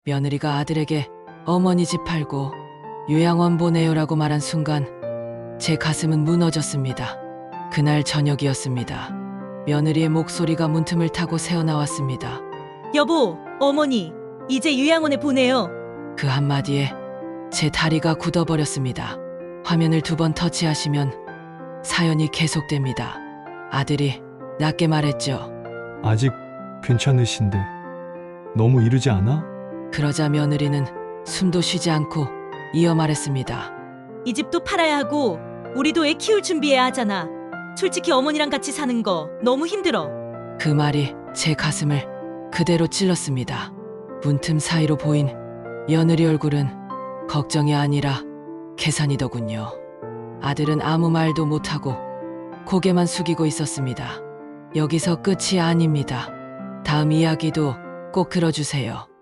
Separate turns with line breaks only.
며느리가 아들에게 어머니 집 팔고 요양원 보내요라고 말한 순간 제 가슴은 무너졌습니다. 그날 저녁이었습니다. 며느리의 목소리가 문틈을 타고 새어나왔습니다.
여보, 어머니, 이제 요양원에 보내요.
그 한마디에 제 다리가 굳어버렸습니다. 화면을 2번 터치하시면 사연이 계속됩니다. 아들이 낮게 말했죠.
아직 괜찮으신데 너무 이르지 않아?
그러자 며느리는 숨도 쉬지 않고 이어 말했습니다.
이 집도 팔아야 하고 우리도 애 키울 준비해야 하잖아. 솔직히 어머니랑 같이 사는 거 너무 힘들어.
그 말이 제 가슴을 그대로 찔렀습니다. 문틈 사이로 보인 며느리 얼굴은 걱정이 아니라 계산이더군요. 아들은 아무 말도 못하고 고개만 숙이고 있었습니다. 여기서 끝이 아닙니다. 다음 이야기도 꼭 들어주세요.